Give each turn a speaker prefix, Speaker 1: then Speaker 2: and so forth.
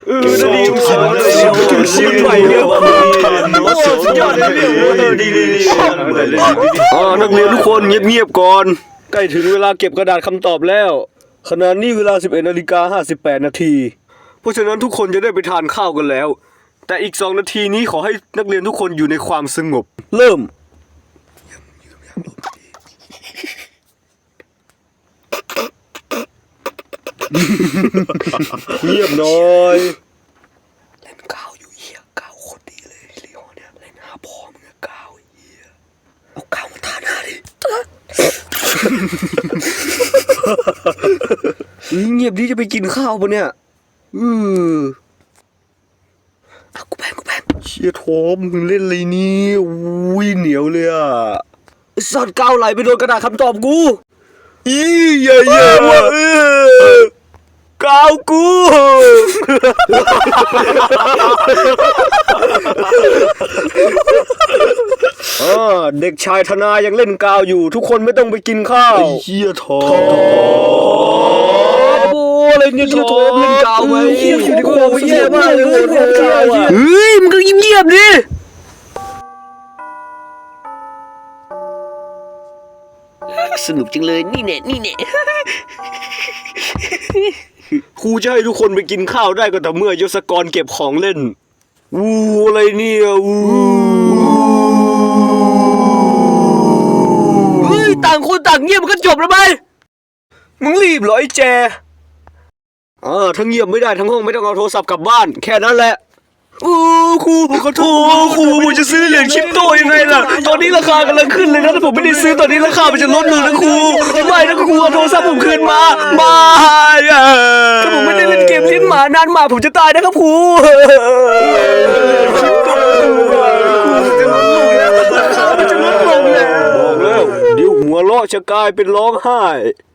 Speaker 1: สุดใหม่เนี่ยสุดยอดเลยนักเรียนทุกคนเงียบๆก่อนใกล้ถึงเวลาเก็บกระดาษคำตอบแล้วขณะนี้เวลา 11:58 นาทีเพราะฉะนั้นทุกคนจะได้ไปทานข้าวกันแล้วแต่อีก2 นาทีนี้ขอให้นักเรียนทุกคนอยู่ในความสงบเริ่มเงียบหน่อยเล่นก้าวอยู่เหี้ยก้าวโคตรดีเลยลีโอเนี่ยเล่นหาพ่อมึงก้าวเหี้ยเอาก้าวมาทาหน้าดิเงียบดิจะไปกินข้าวปะเนี่ยกูแพงเชี่ยทอมมึงเล่นอะไรนี่อุ้ยเหนียวเลยอ่ะสอดก้าวไหลไปโดนกระดาษคำตอบกูอย่าว่ะก้าวกูเด็กชายธนายังเล่นกาวอยู่ทุกคนไม่ต้องไปกินข้าวเฮียทอโอ้อะไรเนี่ยทอเล่นกาวไหมอยู่ในครัวแย่มากเลยเฮ้ยมึงก็เงียบๆดิสนุกจังเลยนี่แน่ครูจะให้ทุกคนไปกินข้าวได้ก็แต่เมื่อยศกรเก็บของเล่นอะไรเนี่ยเฮ้ยต่างคนต่างเงียบมันก็จบแล้วไหมมึงรีบเหรอไอ้แจทั้งเงียบไม่ได้ทั้งห้องไม่ต้องเอาโทรศัพท์กลับบ้านแค่นั้นแหละครูผมขอโทษครูผมจะซื้อเหรียญคริปโตยังไงล่ะตอนนี้ราคากำลังขึ้นเลยนะถ้าผมไม่ได้ซื้อตอนนี้ราคามันจะลดลงนะครูไม่นะครูเอาโทรศัพท์ผมคืนมาถ้าผมไม่ได้เล่นเกมลิ้นหมานานมาผมจะตายนะครับครูจะลดลงแล้วบอกแล้วเดี๋ยวหัวเราะจะกลายเป็นร้องไห้